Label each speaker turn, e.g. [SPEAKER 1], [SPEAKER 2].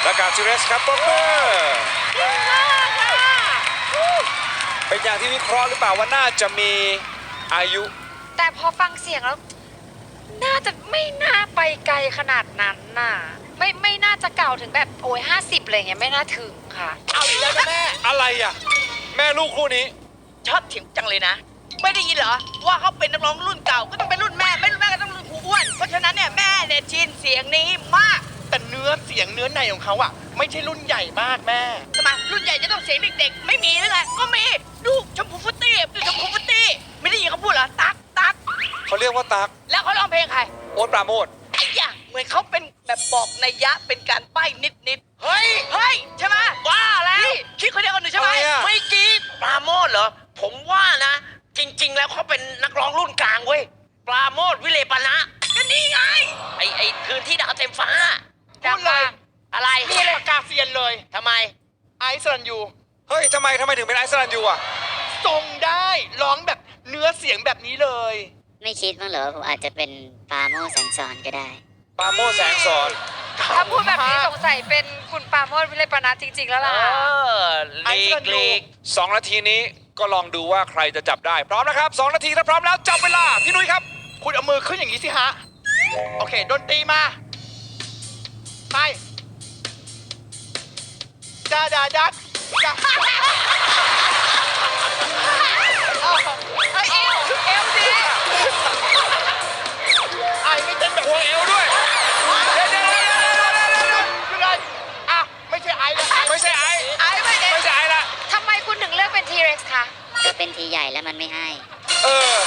[SPEAKER 1] และกับทีเรสครับปรบมือเป็นอย่างที่วิเคราะห์หรือเปล่าว่าน่าจะมีอายุ
[SPEAKER 2] แต่พอฟังเสียงแล้ว น่าจะไม่น่าไปไกลขนาดนั้นน่ะ ไม่น่าจะเก่าถึงแบบโอ้ย50อะไรเงี้ยไม่น่าถึงค่ะ
[SPEAKER 3] เอาอีกแล้วนะแม่
[SPEAKER 1] อะไรอ่ะ แม่ลูกคู่นี้
[SPEAKER 3] ชอบเถียงจังเลยนะ ไม่ได้ยินเหรอ ว่าเขาเป็นนักร้องรุ่นเก่าก็ต้องเป็นรุ่นแม่ไม่รุ่นแม่ก็ต้องรุ่นครูอ้วนเพราะฉะนั้นเนี่ยแม่เนี่ยชินเสียงนี้มาก
[SPEAKER 4] แต่เนื้อเสียงเนื้อในของเขาอะไม่ใช่รุ่นใหญ่มากแม่
[SPEAKER 3] ทำไมรุ่นใหญ่จะต้องเสียงเด็กๆ ไม่มีหรือไงก็มีดูชมพูฟุตตี้ดูชมพูฟุตตี้ไม่ได้ยินเขาพูดเหรอตักตัก
[SPEAKER 1] เขาเรียกว่าตั๊ก
[SPEAKER 3] แล้วเขาร้องเพลงใคร
[SPEAKER 1] โอ๊ตปราโมท
[SPEAKER 3] ไอ้ยะเหมือนเขาเป็นแบบบอกนัยยะเป็นการใบ้นิดๆเฮ้ยใช่ไหมว่าแล้วคิดคนเดียวกันหนูใช่ไหม
[SPEAKER 1] อะไรอะ
[SPEAKER 5] ไม่จริงปราโมทเหรอ ผมว่านะ จริง ๆ แล้วเขาเป็นนักร้องรุ่นกลางเว้ยปราโมทวิเลปนะก็นี่ไง ไอ้คืนที่ดาวเต็มฟ้า
[SPEAKER 4] พูดเลย
[SPEAKER 5] อะไร
[SPEAKER 4] นี่เลยปากกาเซียนเลย
[SPEAKER 5] ทำไม
[SPEAKER 4] ไอซ์รันยู
[SPEAKER 1] เฮ้ยทำไมถึงเป็นไอซ์แลนด์ยูอ่ะ
[SPEAKER 4] ทรงได้ร้องแบบเนื้อเสียงแบบนี้เลย
[SPEAKER 6] ไม่คิดมั้างเหรอผมอาจจะเป็นปาโมแสงสอนก็ได้
[SPEAKER 1] ปราโมทแสงสอน
[SPEAKER 2] ถ้าพูดแบบนี้สงสัยเป็นคุณปราโมทวิเลปนัสจริง ๆ แล้ว
[SPEAKER 5] เอ
[SPEAKER 2] ล่ะ
[SPEAKER 5] อลีก
[SPEAKER 1] 2 นาทีนี้ก็ลองดูว่าใครจะจับได้ พร้อมนะครับ 2 นาทีถ้าพร้อมแล้วจับเวลา พี่นุ้ยครับ
[SPEAKER 4] คุณเอามือขึ้นอย่างนี้สิฮะ โอเคดนตรีมา ไปดาดาดักกะไอเอวดี ไอไม่เต้นแบบ
[SPEAKER 1] หัวเอวด้วยเดี๋ยว
[SPEAKER 4] คืออะไรอ่ะ ไม่ใช่ไอแล้ว
[SPEAKER 1] ไม่ใช่ไอ
[SPEAKER 3] ไอ้ไม่เด็ก
[SPEAKER 1] ไม่ใช่ไอละ
[SPEAKER 2] ทำไมคุณถึงเลือกเป็นทีเร็กซ์คะ
[SPEAKER 6] ก็เป็นทีใหญ่แล้วมันไม่ให้
[SPEAKER 1] เออ